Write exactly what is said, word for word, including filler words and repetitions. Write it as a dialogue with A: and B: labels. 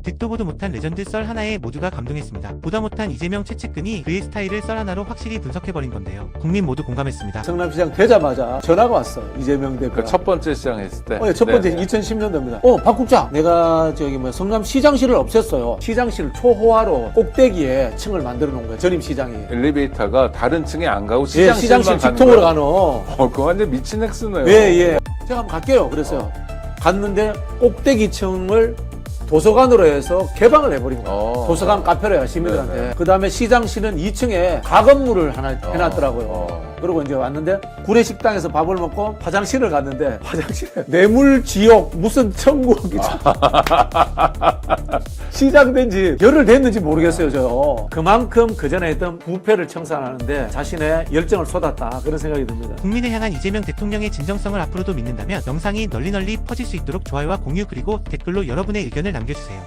A: 듣도 보도 못한 레전드 썰 하나에 모두가 감동했습니다. 보다 못한 이재명 최측근이 그의 스타일을 썰 하나로 확실히 분석해버린 건데요. 국민 모두 공감했습니다.
B: 성남시장 되자마자 전화가 왔어. 이재명 대표가.
C: 그 첫 번째 시장 했을 때.
B: 어, 첫 번째
C: 네네.
B: 이천십 년도입니다. 어, 박 국장, 내가 저기 뭐 성남시장실을 없앴어요. 시장실을 초호화로 꼭대기에 층을 만들어 놓은 거예요. 전임 시장이.
C: 엘리베이터가 다른 층에 안 가고
B: 예,
C: 시장실만
B: 시장실
C: 가는
B: 직통으로
C: 거야.
B: 가는.
C: 어, 그거 완전 미친 액수네요.
B: 예, 예. 제가 한번 갈게요. 그랬어요. 갔는데 꼭대기층을 도서관으로 해서 개방을 해버린 거예요.
C: 어.
B: 도서관 카페로 해요, 시민들한테.
C: 네네.
B: 그 다음에 시장실은 이 층에 가건물을 하나 해놨더라고요.
C: 어.
B: 그리고 이제 왔는데 구례식당에서 밥을 먹고 화장실을 갔는데 화장실에 뇌물 지옥 무슨 천국이 시작된 지 열흘 됐는지 모르겠어요. 저 그만큼 그전에 했던 부패를 청산하는데 자신의 열정을 쏟았다, 그런 생각이 듭니다.
A: 국민을 향한 이재명 대통령의 진정성을 앞으로도 믿는다면 영상이 널리 널리 퍼질 수 있도록 좋아요와 공유 그리고 댓글로 여러분의 의견을 남겨주세요.